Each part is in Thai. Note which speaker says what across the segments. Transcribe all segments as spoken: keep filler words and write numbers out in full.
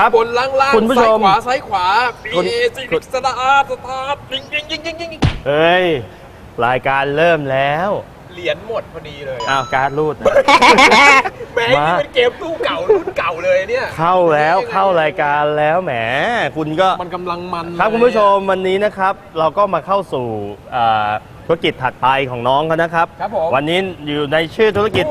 Speaker 1: ครับบนล่างล่างซ้ายขวาซ้ายขวาบีเอซีสตาร์สตาร์ยิงยิงยิงยิงยิง
Speaker 2: เฮ้ยรายการเริ่มแล้ว
Speaker 1: เหรียญหมดพอดีเลย
Speaker 2: อ้าวการ์ดรูด
Speaker 1: แหมนี่เป็นเกมตู้เก่ารุ่นเก่าเลยเนี่ย
Speaker 2: เข้าแล้วเข้ารายการแล้วแหมคุณก็
Speaker 1: มันกำลังมัน
Speaker 2: ครับคุณผู้ชมวันนี้นะครับเราก็มาเข้าสู่ธุรกิจถัดไปของน้องเขานะครับวันนี้อยู่ในชื่อธุรกิจ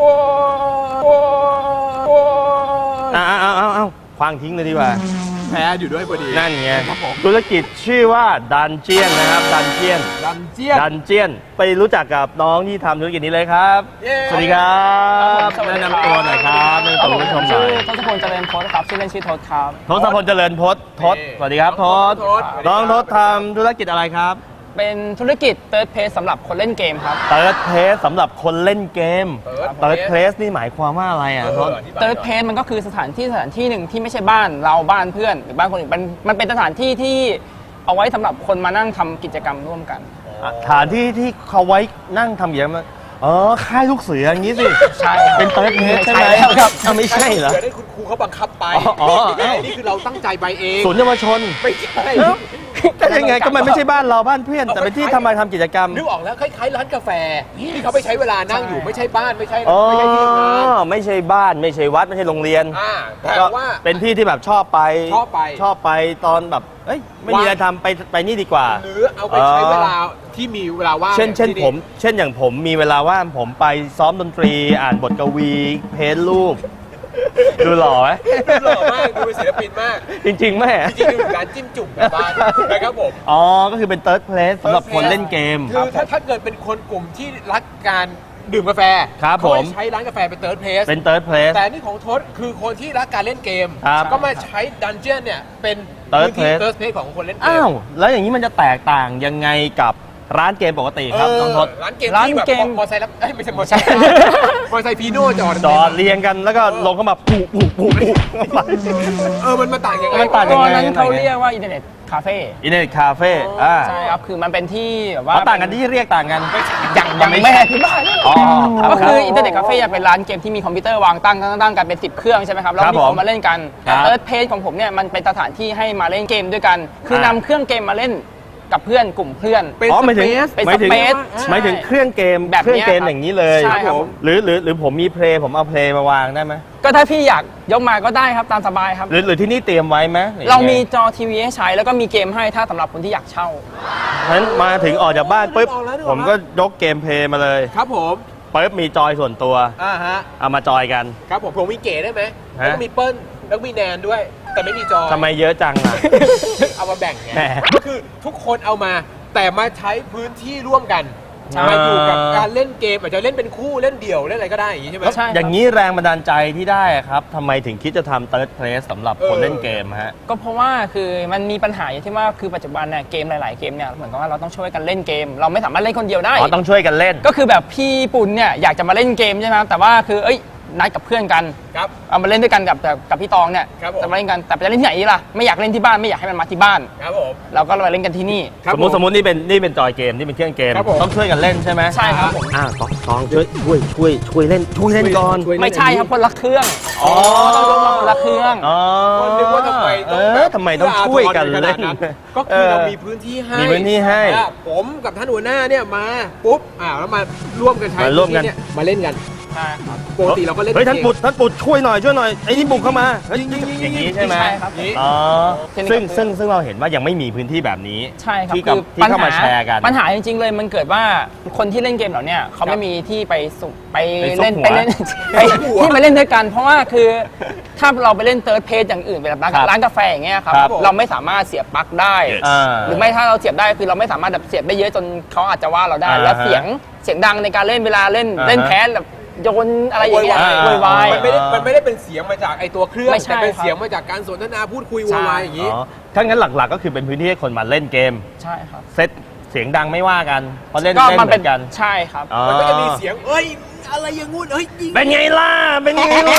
Speaker 2: อ้าวอ้าวอ้าวอ้าวคว้างทิ้งเลยดีกว่า
Speaker 1: แพ้อยู่ด้วยพอดี
Speaker 2: นั่นไงธุรกิจชื่อว่าดันเจียนนะครับดันเจียน
Speaker 1: ดันเจียน
Speaker 2: ดันเจียนไปรู้จักกับน้องที่ทำธุรกิจนี้เลยครับสวัสดีครับแนะนำตัวหน่อยครับแนะนำตัวผู้ชมหน่อย
Speaker 3: ทศพลเจริญพจน์ครับชื่อเล่นชื่อทศครับ
Speaker 2: ทศพลเจริญพจน์ทศสวัสดีครับทศน้องทศทำธุรกิจอะไรครับ
Speaker 3: เป็นธุรกิจ Third Place สำหรับคนเล่นเกมครับ
Speaker 2: Third Place สำหรับคนเล่นเกม Third Place นี่หมายความว่าอะไรอ่ะทศ
Speaker 3: Third Place มันก็คือสถานที่สถานที่หนึ่งที่ไม่ใช่บ้านเราบ้านเพื่อนหรือบ้านคนอื่นมันมันเป็นสถานที่ที่เอาไว้สำหรับคนมานั่งทำกิจกรรมร่วมกัน
Speaker 2: สถานที่ที่เขาไว้นั่งทำอย่างนี้อ๋อค่ายลูกเสืออย่างนี้สิ
Speaker 3: ใช่
Speaker 2: เป็นเติร์ดเพจใช่ไหมครับไม่ใช่เหรอ
Speaker 1: เดี๋ยวได้คุณครูเขาบังคับไปอ๋อนี่คือเราตั้งใจไปเอง
Speaker 2: ศูนย์เยาวชน
Speaker 1: ไม่ใช่
Speaker 2: ก็ยังไงก็มันไม่ใช่บ้านเราบ้านเพื่อนแต่เป็นที่ทำมาทำกิจกรรม
Speaker 1: นึกออกแล้วคล้ายๆร้านกาแฟที่เขาไปใช้เวลานั่งอยู่ไม่ใช่บ้านไม่ใช่
Speaker 2: ไม่ใช่ที่งานไม่ใช่บ้านไม่ใช้วัดไม่ใช่โรงเรียน
Speaker 1: แต่ว่า
Speaker 2: เป็นที่ที่แบบชอบไป
Speaker 1: ชอบไป
Speaker 2: ชอบไปตอนแบบเอ้ยไม่มีอะไรทำไปไปนี่ดีกว่า
Speaker 1: หรือเอาไปใช้เวลาที่มีเวลาว่าง
Speaker 2: เช่นเช่นผมเช่นอย่างผมมีเวลาว่างผมไปซ้อมดนตรีอ่านบทกวีเพ้นรูปดูหล่อไหม
Speaker 1: หล่อมากดูเป็นศิลปินมาก
Speaker 2: จริงๆแม่
Speaker 1: จริงๆคือการจิ้มจุ่มแบบบ้านนะครับผม
Speaker 2: อ๋อก็คือเป็น Third Place สำหรับคนเล่นเกม
Speaker 1: คือถ้าถ้าเกิดเป็นคนกลุ่มที่รักการดื่มกาแฟ
Speaker 2: ครับผม
Speaker 1: ใช้ร้านกาแฟเป็น Third Place
Speaker 2: เป็น Third Place
Speaker 1: แต่นี่ของทศคือคนที่รักการเล่นเกมก็มาใช้ดันเจี้ยนเนี่ยเป็น
Speaker 2: Third Place
Speaker 1: Third Place ของคนเล่นเกม
Speaker 2: อ้าวแล้วอย่างนี้มันจะแตกต่างยังไงกับร้านเกมปกติครับน้องทศ
Speaker 1: ร้านเกมที่แบบมอไซค์รับไม่ใช่มอไซค์มอไซค์พีโน่จอด
Speaker 2: จอดเรียงกันแล้วก็ลงเข้ามาปูปูปูปู
Speaker 1: เออมันมาต่างยังไง
Speaker 2: มันต่างยังไง
Speaker 3: นั้นเขาเรียกว่าอินเทอร์เน็ตคาเฟ่
Speaker 2: อินเทอร์เน็ตคาเฟ่อ่า
Speaker 3: ใช่ครับคือมันเป็นที่แบบว่า
Speaker 2: ต่างกันที่เรียกต่างกัน
Speaker 3: อย่างอย่างแม่ที่บ้านก็คืออินเทอร์เน็ตคาเฟ่จะเป็นร้านเกมที่มีคอมพิวเตอร์วางตั้งตั้งกันเป็นสิบเครื่องใช่ไหมครับแล้วมีคนมาเล่นกันแต่เอิร์ธเพจของผมเนี่ยมันเป็นสถานที่ให้มาเล่นเกมด้วยกันคือนำเครื่องเกมมาเล่นกับเพื่อนกลุ่มเพื่อน
Speaker 2: อ๋อหมายถึง
Speaker 3: เป็นสเปซ
Speaker 2: หมายถึงเครื่องเกมแบบเครื่องเกมอย่างนี้เลยหรือหรือหรือผมมีเพลย์ผมเอาเพลย์มาวางได้ไหม
Speaker 3: ก็ถ้าพี่อยากยกมาก็ได้ครับตามสบายครับ
Speaker 2: หรือหรือที่นี่เตรียมไว้ไหม
Speaker 3: เรามีจอทีวีให้ใช้แล้วก็มีเกมให้ถ้าสำหรับคนที่อยากเช่า
Speaker 2: งั้นมาถึงออกจากบ้านปุ๊บผมก็ยกเกมเพลย์มาเลย
Speaker 1: ครับผม
Speaker 2: ปุ๊บมีจอยส่วนตัว
Speaker 1: อ่าฮะ
Speaker 2: เอามาจอยกัน
Speaker 1: ครับผมผมมีเก๋ได้ไหมแล้วมีเปิ้ลแล้วมีแนนด้วยแต่ไม่มีจอย
Speaker 2: ทำไมเยอะจังอ่ะ
Speaker 1: เอามาแบ่งไงก็คือทุกคนเอามาแต่มาใช้พื้นที่ร่วมกันมาอยู่กับการเล่นเกมอาจจะเล่นเป็นคู่เล่นเดี่ยวเล่นอะไรก็ได้อย่างนี้ใช่ไหม
Speaker 2: อย่างนี้แรงบันดาลใจที่ได้ครับทำไมถึงคิดจะทำ Third Place สำหรับคนเล่นเกมฮะ
Speaker 3: ก็เพราะว่าคือมันมีปัญหาอย่างที่ว่าคือปัจจุบันเนี่ยเกมหลายๆเกมเนี่ยเหมือนกับว่าเราต้องช่วยกันเล่นเกมเราไม่สามารถเล่นคนเดียวได้
Speaker 2: อ๋อต้องช่วยกันเล่น
Speaker 3: ก็คือแบบพี่ปุ่นเนี่ยอยากจะมาเล่นเกมใช่ไหมแต่ว่าคือเอ้ยนัดกับเพื่อนกัน
Speaker 1: ครับ
Speaker 3: เอามาเล่นด้วยกันกับกับพี่ตองเนี่ยจะมาเล่นกันแต่จะเล่นที่ไหนล่ะไม่อยากเล่นที่บ้านไม่อยากให้มันมาที่บ้าน
Speaker 1: ครับผม
Speaker 3: เราก็มาเล่นกันที่นี่
Speaker 2: สมมติสมมตินี่เป็นนี่เป็นจอยเกมนี่เป็นเครื่องเกมต้องช่วยกันเล่นใช่ไหม
Speaker 3: ใช่ครับผม
Speaker 2: อ่าตองตองช่วยช่วยช่วยช่วยเล่นช่วยเล่นก่อน
Speaker 3: ไม่ใช่ครับคนละเครื่อง
Speaker 2: อ๋อ
Speaker 3: ต้องยกมาคนละเครื่อง
Speaker 2: อ๋อ
Speaker 1: คนนึกว่าทำไม
Speaker 2: เออทำไมต้องช่วยกันเล่น
Speaker 1: ก็คือเรามีพื้นที่ให้
Speaker 2: มีพื้นที่ให้
Speaker 1: ผมกับท่านหัวหน้าเนี่ยมาปุ๊บอ่าแล้วมาร่วมกันใช้
Speaker 2: ร่วมกัน
Speaker 1: มาเล่นกัน
Speaker 3: ใช่ครับ
Speaker 1: ปกติเราก็เล่น
Speaker 2: เฮ้ยท่านปุดท่านปุดช่วยหน่อยช่วยหน่อยไอ้นี่บุกเข้ามาอย่างนี้ใช่ไหมอ๋อซึ่งซึ่งซึ่งเราเห็นว่ายังไม่มีพื้นที่แบบนี้
Speaker 3: ใช่ครับ
Speaker 2: ที่ที่เข้ามาแชร์กัน
Speaker 3: ปัญหาจริงๆเลยมันเกิดว่าคนที่เล่นเกมเหล่านี้เขาไม่มีที่ไปสุไปเล่นไปเล่นที่มาเล่นด้วยกันเพราะว่าคือถ้าเราไปเล่นเติร์ดเพจอย่างอื่นแบบร้านกาแฟอย่างเงี้ยครับเราไม่สามารถเสียบปลั๊กได้หรือไม่ถ้าเราเสียบได้คือเราไม่สามารถแบบเสียบได้เยอะจนเขาอาจจะว่าเราได้แล้วเสียงเสียงดังในการเล่นเวลาเล่นเล่นแพ้แบบโยนอะไรอย่างเงี้ยโวยวาย
Speaker 1: มันไม่ได้มันไม่ได้เป็นเสียงมาจากไอตัวเครื่องแต่เป็นเสียงมาจากการสนทนาพูดคุยโวยวายอย่างนี้
Speaker 2: ถ้างั้นหลักๆก็คือเป็นพื้นที่ให้คนมาเล่นเกม
Speaker 3: ใช่ครับ
Speaker 2: เซตเสียงดังไม่ว่ากันเพราะเล่นเล่นเหมือนกัน
Speaker 3: ใช่ครับ
Speaker 1: มันก็จะมีเสียงเอ้ยอะไรอย่างงู้นเฮ้ย
Speaker 2: เป็นไงล่ะเป็นไงล่ะ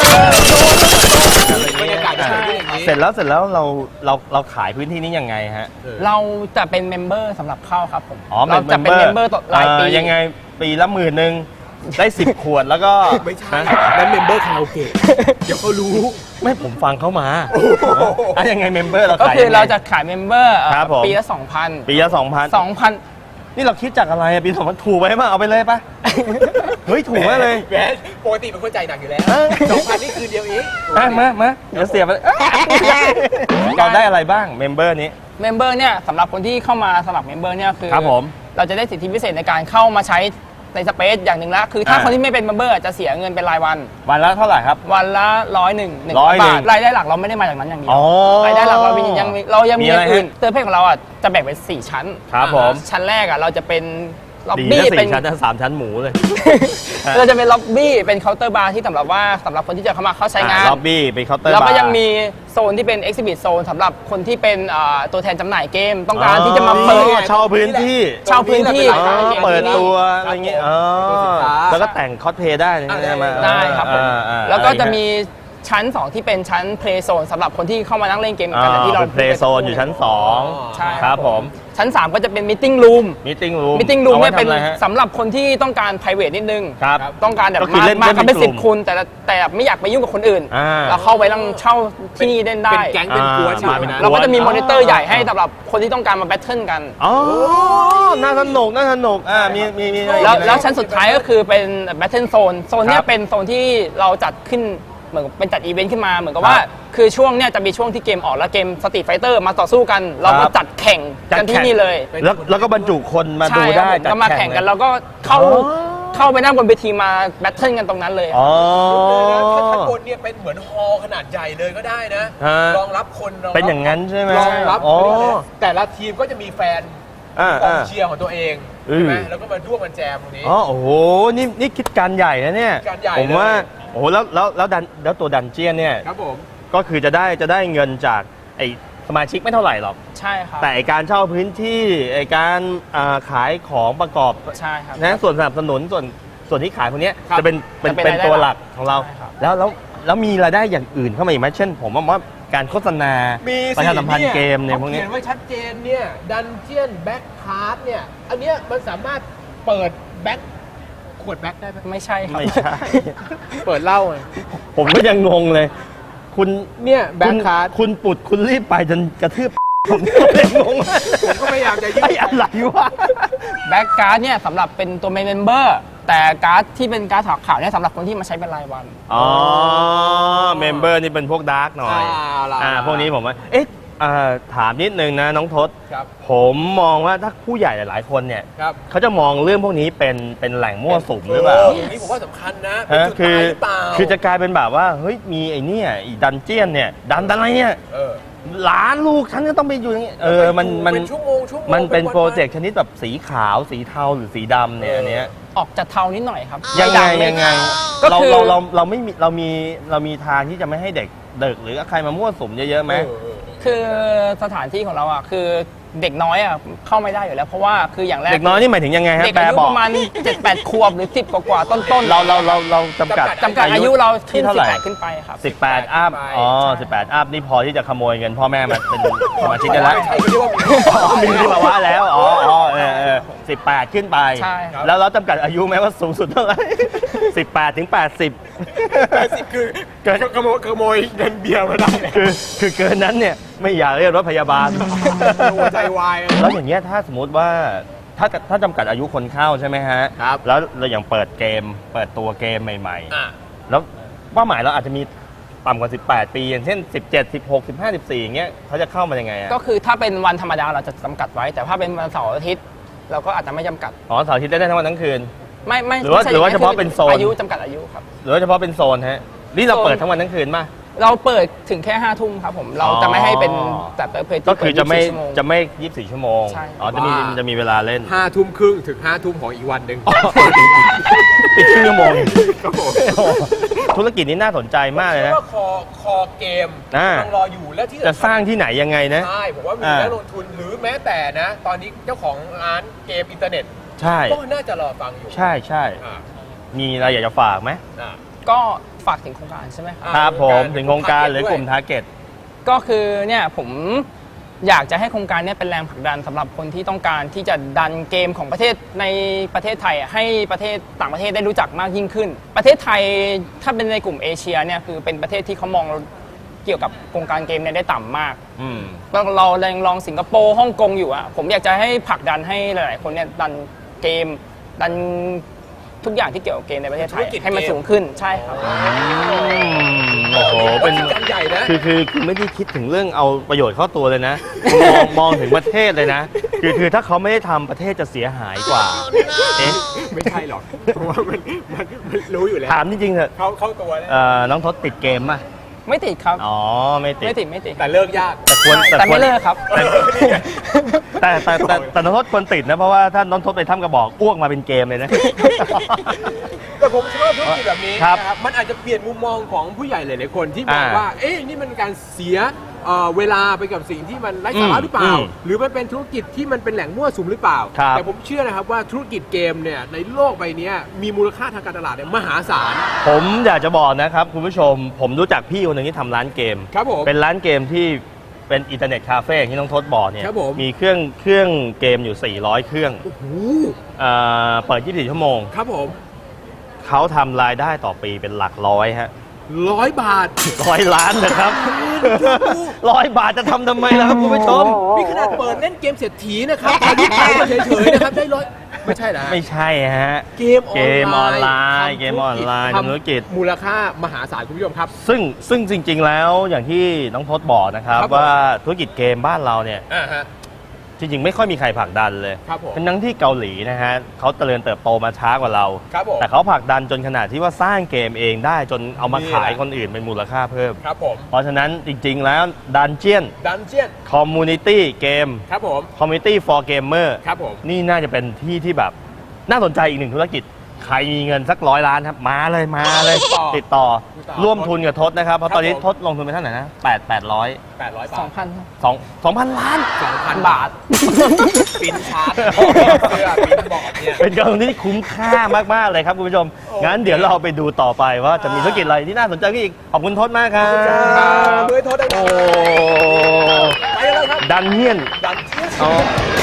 Speaker 1: บรรยากาศ
Speaker 2: เสร็จแล้วเสร็จแล้วเราเราเราขายพื้นที่นี้ยังไงฮะ
Speaker 3: เราจะเป็นเมมเบอร์สำหรับเข้าครับผม
Speaker 2: เรา
Speaker 3: จะเป็นเมมเบอร์ต่อรายปี
Speaker 2: ยังไงปีละหมื่นหนึ่งได้สิบขวดแล้วก็
Speaker 1: ไม่ใช่
Speaker 2: ฮะ
Speaker 1: นั่นเมมเบอร์คาราโอเกะเดี๋ยวเขารู้
Speaker 2: ไม่ผมฟังเขามาอ่ะยังไงเมมเบอร์เรา
Speaker 3: ก็
Speaker 2: ขาย
Speaker 3: คือ
Speaker 2: ยังไง
Speaker 3: เราจะขายเมมเบอร์
Speaker 2: ครับผม
Speaker 3: ปีละสองพัน
Speaker 2: ปีละสองพัน
Speaker 3: สองพัน
Speaker 2: นี่เราคิดจากอะไรอะปีสองพันถูกไปมั้ยเอาไปเลยปะเฮ้ยถูกมากเลย
Speaker 1: แหมปกติเป็นคนใจหนักอยู่แล้ว
Speaker 2: เออ
Speaker 1: สองพันนี่คืนเดียวเอง
Speaker 2: อ่ะมามาเดี๋ยวเสียบไปเราได้อะไรบ้างเมมเบอร์นี้
Speaker 3: เมมเบอร์เนี่ยสำหรับคนที่เข้ามาสมัครเมมเบอร์เนี่ยคือ
Speaker 2: ครับผม
Speaker 3: เราจะได้สิทธิพิเศษในการเข้ามาใช้ในสเปซอย่างหนึ่งละคือถ้า
Speaker 2: อ่า
Speaker 3: คนที่ไม่เป็นเมมเบอร์จะเสียเงินเป็นรายวัน
Speaker 2: วันละเท่าไหร่ครับ
Speaker 3: วันละร้อยหนึ่งหนึ่ง
Speaker 2: ร้อยหนึ่ง
Speaker 3: บาทรายได้หลักเราไม่ได้มาจากนั้นอย่างเดีว
Speaker 2: อ๋อ
Speaker 3: รายได้หลักเรามียังมีเรายังมี
Speaker 2: มี
Speaker 3: อ
Speaker 2: อะไร
Speaker 3: ย่างอื่น
Speaker 2: ฮะ
Speaker 3: เติมเพศของเราอ่ะจะแบ่งเป็นสี่ชั้น
Speaker 2: ครับผม
Speaker 3: ชั้นแรกอ่ะเราจะเป็นล็อบ
Speaker 2: ดี
Speaker 3: บี้
Speaker 2: นะ
Speaker 3: เป็น
Speaker 2: สี่ชั้นนะสามชั้นหมูเลย
Speaker 3: เราจะเป็นล็อบบี้เป็นเคาน์เตอร์บาร์ที่สำหรับว่าสำหรับคนที่จะเข้ามาเข้าใช้งาน
Speaker 2: ล็อบบี้เป็นเคาน์เตอร์
Speaker 3: แล้วก็
Speaker 2: บาร์
Speaker 3: ยังมีโซนที่เป็น Exhibit Zone สำหรับคนที่เป็นอ่าตัวแทนจำหน่ายเกม ต้องการที่จะมาเปิด
Speaker 2: อ๋อเช่าพื้นที่
Speaker 3: เช่าพื้นที่
Speaker 2: อ๋อเปิดตัวอะไรเงี้ยอ๋อ
Speaker 1: ตัวสินค้า
Speaker 2: แล้วก็แต่งคอสเพลย์ได้
Speaker 1: อ่า
Speaker 2: ใช่ไหม
Speaker 3: ได้ครับผม
Speaker 2: อ่าอ่า
Speaker 3: แล้วก็จะ
Speaker 2: อไร
Speaker 3: มีชั้น สอง ที่เป็นชั้น Play Zone สำหรับคนที่เข้ามานั่งเล่นเกม
Speaker 2: อ่า
Speaker 3: กันอย่างที่เรา
Speaker 2: เป็นเพลย์โซนอยู่ชั้นสอง
Speaker 3: ใช่
Speaker 2: ครับผม
Speaker 3: ชั้น สาม ก็จะเป็น Meeting Room
Speaker 2: มิทติ้งรูม
Speaker 3: Meeting Room เนี่ยเป็นสำหรับคนที่ต้องการ private นิดนึง
Speaker 2: ครับ
Speaker 3: ต้องการแบบ
Speaker 2: ก็คือ
Speaker 3: มา
Speaker 2: เล่น
Speaker 3: มา
Speaker 2: เล่น
Speaker 3: กันเป็น
Speaker 2: เป็นกลุ่
Speaker 3: สิบ
Speaker 2: ม
Speaker 3: คนแต่ละแต่ไม่อยากไปยุ่งกับคนอื่น
Speaker 2: อ่า
Speaker 3: เราเข้าไปนั่งเช่าที่นี่เล่นได้
Speaker 1: เป็นแก๊งเป็นกวน
Speaker 2: อ่า
Speaker 1: ชื่อ
Speaker 2: มาเป็น
Speaker 1: นะ
Speaker 3: เราก็จะมี
Speaker 2: อ๋อ
Speaker 3: มอนิเตอร์ใหญ่ให้สำหรับคนที่ต้องการมาแบทเทิลกัน
Speaker 2: อ๋อ น่าสนุก น่าสนุก อ่า มี มี มีอะไรอีก
Speaker 3: แล้ว
Speaker 2: ไหม
Speaker 3: แล้วชั้นสุดท้ายก็คือเป็น Battle Zone โซนเนี้
Speaker 2: ครั
Speaker 3: ย
Speaker 2: บ
Speaker 3: เป็นโซนที่เราจัดขึ้นเหมือนเป็นจัดอีเวนต์ขึ้นมาเหมือนกับ
Speaker 2: ครับ
Speaker 3: ว่า คือช่วงเนี้ยจะมีช่วงที่เกมออกแล้วเกมสตรีทไฟเตอร์มาต่อสู้กัน เรา
Speaker 2: ครั
Speaker 3: ก็
Speaker 2: บ
Speaker 3: จัดแข่ง
Speaker 2: จัด
Speaker 3: กันที่
Speaker 2: แข่ง
Speaker 3: นี่เลย
Speaker 2: แล้ว แล้วก็บรรจุคนมาดู
Speaker 3: ใช่ครับ
Speaker 2: ได้
Speaker 3: ผม
Speaker 2: จัด
Speaker 3: ก็มาแข่งกัน
Speaker 2: เลย
Speaker 3: แล้วก็เข้า
Speaker 2: อ๋อ
Speaker 3: เข้าไปนั่งบนเวทีมาแบทเทิลกันตรงนั้นเลย
Speaker 2: อ๋อ
Speaker 1: ถ้าข้างบนเนี่ยเป็นเหมือนฮอลล์ขนาดใหญ่เลยก็ได้นะ
Speaker 2: ฮะ
Speaker 1: รองรับคนรรับ
Speaker 2: เป็นอย่างนั้นใช่ไหม
Speaker 1: รองรับ
Speaker 2: อ๋อ
Speaker 1: แต่ละทีมก็จะมีแฟน
Speaker 2: อ่าก
Speaker 1: อง
Speaker 2: อ่า
Speaker 1: เชียร์ของตัวเอง
Speaker 2: อืม
Speaker 1: ใช่ไหมแล้วก็มาร่วมกันแจมตรงนี้
Speaker 2: อ๋อ โอ้โห นี่ นี่คิดการใหญ่นะเนี่ย
Speaker 1: การใหญ่
Speaker 2: ผมว่า
Speaker 1: เลย
Speaker 2: โอ้โห แล้ว แล้ว แล้วดัน แล้วตัวดันเจียนเนี่ย
Speaker 1: ครับผม
Speaker 2: ก็คือจะได้ จะได้เงินจากไอ้สมาชิกไม่เท่าไหร่หรอก
Speaker 3: ใช่ครับ
Speaker 2: แต่ไอ้การเช่าพื้นที่ ไอ้การอ่าขายของประกอบ
Speaker 3: ใช่ครับ
Speaker 2: นะส่วนสนับสนุนส่วนส่วนที่ขายพวกเนี้ย
Speaker 1: ครับ
Speaker 2: จะเป็นเป็น
Speaker 3: จะเป็น
Speaker 2: เป็น
Speaker 3: รายได้
Speaker 2: ตัวหลักของเรา
Speaker 3: ใช่ครับ
Speaker 2: แล้วแล้วแล้วมีรายได้อย่างอื่นเข้ามาอีกไหมเช่น ผมว่าการโฆษณา
Speaker 1: มี
Speaker 2: ประชาสัมพันธ์เกมเนี่ยพวก
Speaker 1: ขา
Speaker 2: นี้
Speaker 1: เขียนไว้ชัดเจนเนี่ยดันเจียนแบ็คคาร์ดเนี่ย อันเนี้ยมันสามารถเปิดแบ็คขวดแบ็คได้ไหม
Speaker 3: ไม่ใช่ครับ
Speaker 2: ไม่ใช่
Speaker 1: เปิดเหล้าไง
Speaker 2: ผมก็ยังงงเลย คุณ
Speaker 1: เนี่ยแบ็ค
Speaker 2: คุณ
Speaker 1: คาร์ด
Speaker 2: คุณปุดคุณรีบไปจนกระทืบ ผมก็เลยงง
Speaker 1: ผมก็พยายามจะยืด
Speaker 2: ไอ้อะไรวะ
Speaker 3: แบ็กการ์ดเนี่ยสำหรับเป็นตัวเมมเบอร์แต่การ์ดที่เป็นการ์ดขาวๆเนี่ยสำหรับคนที่มาใช้เป็นรายวัน
Speaker 2: อ๋อเมมเบอร์นี่เป็นพวกดาร์กหน่อย
Speaker 1: อ่าล่ะ
Speaker 2: อ่าพวกนี้ผมว่า เอ๊ะอ่าถามนิดนึงนะน้องทศ
Speaker 1: ครับ
Speaker 2: ผมมองว่าถ้าผู้ใหญ่หลาย ๆ คนเนี่ย
Speaker 1: ครับ
Speaker 2: เขาจะมองเรื่องพวกนี้เป็นเป็นแหล่งมั่วสุมหรือเปล่า
Speaker 1: อย่างนี้ผมว่าสำคัญนะเป็น
Speaker 2: ฮะ
Speaker 1: จุด
Speaker 2: คือ
Speaker 1: ตายหรือเปล่า
Speaker 2: คือจะกลายเป็นแบบว่าเฮ้ยมีไอ้เนี่ยอีดันเจียนเนี่ยดันอะไรเนี่ย
Speaker 1: เออ
Speaker 2: หลานลูกฉันจะต้องไปอยู่อย่างนี้เออมันมัน
Speaker 1: เป็นชั่วโมงชั่วโมง
Speaker 2: มันเป็น
Speaker 1: วันๆ
Speaker 2: โปรเจกต์ชนิดแบบสีขาวสีเทาหรือสีดำเนี่ยอันเนี้ย
Speaker 3: ออกจากเทานิดหน่อยครับ
Speaker 2: ยังไง
Speaker 3: ม่ดัม่
Speaker 2: ยังไง
Speaker 3: ก็
Speaker 2: เรา
Speaker 3: คือ
Speaker 2: เราเราเราไม่มีเรามีเรามีทางที่จะไม่ให้เด็กเด็กหรือใครมามั่วสุมเยอะๆไหม
Speaker 1: เออเออ
Speaker 3: คือสถานที่ของเราอ่ะคือเด็กน้อยอ่ะเข้าไม่ได้อยู่แล้วเพราะว่าคืออย่างแรก
Speaker 2: เด็กน้อยนี่หมายถึงยังไงฮะ
Speaker 3: เด็ก
Speaker 2: แปล
Speaker 3: อายุ
Speaker 2: บอ
Speaker 3: ป
Speaker 2: ก
Speaker 3: ระมาณ เจ็ดแปด ขวบหรือ สิบ กว่าๆต้นๆ
Speaker 2: เราเราเราเราจำกัด
Speaker 3: จำกัดอายุเราขึ้
Speaker 2: ที่
Speaker 3: น
Speaker 2: เท่าไหร่
Speaker 3: สิบแปดขึ้นไปครับ
Speaker 2: สิบแปดอัพ
Speaker 1: ไป
Speaker 2: อ๋อสิบแปดอัพนี่พอที่จะขโมยเงินพ่อแม่มาเป็นสมาชิกได้แล้ว
Speaker 1: ใช่เขาเรียกว่ามี
Speaker 2: อ๋อมีที่ภาวะแล้ว อ๋ออ๋อเออเออสิบแปดขึ้นไป
Speaker 3: ใช่ครับ
Speaker 2: แล้วเราจำกัดอายุไหมว่าสูงสุดเท่าไหร่สิบแปดถึงแปดสิบ
Speaker 1: แปดสิบคือ
Speaker 2: เกิน
Speaker 1: ขโมยขโมยเงินเบียร์มาได้เลย
Speaker 2: คือคือเกินนั้นเนี่ยไม่อยากเรียกรถพยาบาล
Speaker 1: หัวใจวาย
Speaker 2: แล้วอย่างเงี้ยถ้าสมมติว่าถ้าถ้าจำกัดอายุคนเข้าใช่ไหมฮะ
Speaker 1: ครับ
Speaker 2: แล้วเราอย่างเปิดเกม เปิดตัวเกมใหม่
Speaker 1: อ่ะ
Speaker 2: ๆ แล้วเป้าหมายเราอาจจะมีต่ำกว่าสิบแปดปี อย่างเช่นสิบเจ็ด สิบหก สิบห้า สิบสี่อย่างเงี้ยเขาจะเข้ามายังไงอะ
Speaker 3: ก็คือถ้าเป็นวันธรรมดาเราจะจำกัดไว้ แต่ถ้าเป็นวันเสาร์อาทิตย์เราก็อาจจะไม่จำกัด
Speaker 2: อ๋อเสาร์อาทิตย์ได้ทั้งวันทั้งคืน
Speaker 3: ไม่ไม่
Speaker 2: หรือว่า
Speaker 3: ไม่ใช่
Speaker 2: หรือว่า
Speaker 3: ย่ง
Speaker 2: เฉพาะเป็นโซน
Speaker 3: อายุจำกัดอายุครับ
Speaker 2: หรือว่าเฉพาะเป็นโซนฮะนี่เรา
Speaker 3: โซน
Speaker 2: เปิดทั้งวันทั้งคืนป่ะ
Speaker 3: เราเปิดถึงแค่ห้าทุ่มครับผมเราจะไม่ให้เป็นแบบเปิดเพจ
Speaker 2: ก็คือจะไม่
Speaker 3: ชั่วโง
Speaker 2: จะไม่ยี่สิบสี่ชั่วโมง
Speaker 3: ใช่
Speaker 2: อ๋อจะมี
Speaker 1: ว่า
Speaker 2: จะมีเวลาเล่น
Speaker 1: ห้าทุ่มครึ่งถึงห้าทุ่มของอีกวันหนึ่ง
Speaker 2: ปิดครึ่งชั่วโมง
Speaker 1: ครับผม
Speaker 2: ธุรกิจนี้น่าสนใจมากเลยนะ
Speaker 1: ว่าคอคอเกม
Speaker 2: อ่า
Speaker 1: กำลังรออยู่และที่
Speaker 2: จะสร้างที่ไหนยังไงนะ
Speaker 1: ใช่ผมว่ามี
Speaker 2: อ่า
Speaker 1: นักลงทุนหรือแม้แต่นะ ตอนนี้เจ้าของร้านเกมอินเทอร์เน็ต
Speaker 2: ใช่
Speaker 1: ก็น่าจะรอฟังอยู่
Speaker 2: ใช่ใช่
Speaker 1: อ่า
Speaker 2: มีอะไรอยากจะฝากไหม
Speaker 1: อ่า
Speaker 3: ก็ฝากถึงโครงการใช่ไหมครับ
Speaker 1: อ่า
Speaker 2: ครับผม
Speaker 1: โครงการ
Speaker 2: ถึงโครงการหรือกลุ่ม
Speaker 1: ด้วย
Speaker 2: ทาร์เก็ต
Speaker 3: ก็คือเนี่ยผมอยากจะให้โครงการเนี้เป็นแรงผลักดันสำหรับคนที่ต้องการที่จะดันเกมของประเทศในประเทศไทยให้ประเทศต่างประเทศได้รู้จักมากยิ่งขึ้น ประเทศไทยถ้าเป็นในกลุ่มเอเชียเนี่ยคือเป็นประเทศที่เขามองเกี่ยวกับโครงการเกมเนี่ยได้ต่ำมากเราเรายังลองสิงคโปร์ฮ่องกงอยู่อะผมอยากจะให้ผลักดันให้หลายๆคนเนี่ยดันเกมดันทุกอย่างที่เกี่ยวกับเกมในประเทศไทยให้มันสูงขึ้นใช่ครับ
Speaker 2: โอ้โหเป็น
Speaker 1: ใหญ่นะ
Speaker 2: คือคือคือไม่ได้คิดถึงเรื่องเอาประโยชน์เข้าตัวเลยนะมองมองถึงประเทศเลยนะคือคือถ้าเขาไม่ได้ทำประเทศจะเสียหายกว่าเอ๊ะ
Speaker 1: ไม่ใช่หรอกเพราะว่ามันมันรู้อยู่แล้ว
Speaker 2: ถามจริงๆเถอะ
Speaker 1: เขาเข้าตัวแล้ว
Speaker 2: น้องทศติดเกมป่ะ
Speaker 3: ไม่ติดครับ
Speaker 2: อ๋อไม่ติด
Speaker 3: ไม่ติดไม่ติด
Speaker 1: แต่เลิกยาก
Speaker 2: แต่ควร
Speaker 3: แต่ไม่เลิกครับ
Speaker 2: แต่แต่แต่แต่น้องทศควรติดนะเพราะว่าถ้าน้องทศไปทำกระบอกอ้วกมาเป็นเกมเลยนะ
Speaker 1: แต่ผมชอบธุรกิจแบบนี้นะครับมันอาจจะเปลี่ยนมุมมองของผู้ใหญ่หลายๆคนที่มองว่าเอ๊ะนี่มันการเสียเวลาไปกับสิ่งที่มันไร้สาระหรือเปล่าหรือมันเป็นธุรกิจที่มันเป็นแหล่งมั่วสุมหรือเปล่าแต่ผมเชื่อนะครับว่าธุรกิจเกมเนี่ยในโลกใบนี้มีมูลค่าทางการตลาดเนี่ยมหาศาล
Speaker 2: ผมอยากจะบอกนะครับคุณผู้ชมผมรู้จักพี่คนหนึ่งที่ทำร้านเกม
Speaker 1: ครับผม
Speaker 2: เป็นร้านเกมที่เป็นอินเทอร์เน็ตคาเฟ่ที่น้องทศบอกเนี่ยมีเครื่องเครื่องเกมอยู่สี่ร้อยเครื่อง
Speaker 1: โอ้โห
Speaker 2: เปิดยี่สิบสี่ชั่วโมง
Speaker 1: ครับผม
Speaker 2: เขาทำรายได้ต่อปีเป็นหลักร้อยฮะ
Speaker 1: ร้อยบาท
Speaker 2: ร้อยล้านนะครับร้อยบาทจะทำทำไมล่ะครับคุณผู้ชม
Speaker 1: นี่ขนาดเปิดเล่นเกมเศรษฐีนะครับอายุไปเฉยๆนะครับได้ร้อยไม่ใช่นะ
Speaker 2: ไม่ใช่ฮะ
Speaker 1: เกมออนไลน์
Speaker 2: เกมออนไลน์ธุรกิจ
Speaker 1: มูลค่ามหาศาลคุณผู้ชมครับ
Speaker 2: ซึ่งซึ่งจริงๆแล้วอย่างที่น้องทศบอกนะครับว่าธุรกิจเกมบ้านเราเนี่ยจริงๆไม่ค่อยมีใครผลักดันเลยเป็นทั้งที่เกาหลีนะฮะเขาเจริญเติบโตมาช้ากว่าเราแต่เขาผลักดันจนขนาดที่ว่าสร้างเกมเองได้จนเอามาขายคนอื่นเป็นมูลค่าเพิ่ม
Speaker 1: ครับผม
Speaker 2: เพราะฉะนั้นจริงๆแล้วดันเจียน
Speaker 1: ดันเจียน
Speaker 2: คอมมูนิตี้เกม
Speaker 1: ครับผม
Speaker 2: คอมมูนิตี้ for gamer
Speaker 1: ครับผม
Speaker 2: นี่น่าจะเป็นที่ที่แบบน่าสนใจอีกหนึ่งธุรกิจใครมีเงินสักร้อยล้านครับมาเลยมาเลยติดต่อร่วมทุนกับทศนะครับเพราะตอนนี้ทศลงทุนไปเท่าไหร่นะแปดแปดร้อย
Speaker 1: แปดร้อยบาท
Speaker 3: สองพัน
Speaker 2: สองสองพันล้าน
Speaker 1: สองพันบาทปินชาร์จเสื้อปินบอร์ดเนี่ย
Speaker 2: เป็นการลงทุนที่คุ้มค่ามากๆเลยครับคุณผู้ชมงั้นเดี๋ยวเราไปดูต่อไปว่าจะมีธุรกิจอะไรที่น่าสนใจอีกขอบคุณทศมากครับ
Speaker 1: ด้วยทศได้โอ้
Speaker 2: ไปเลยครับดันเฮียน
Speaker 1: ดันเฮียน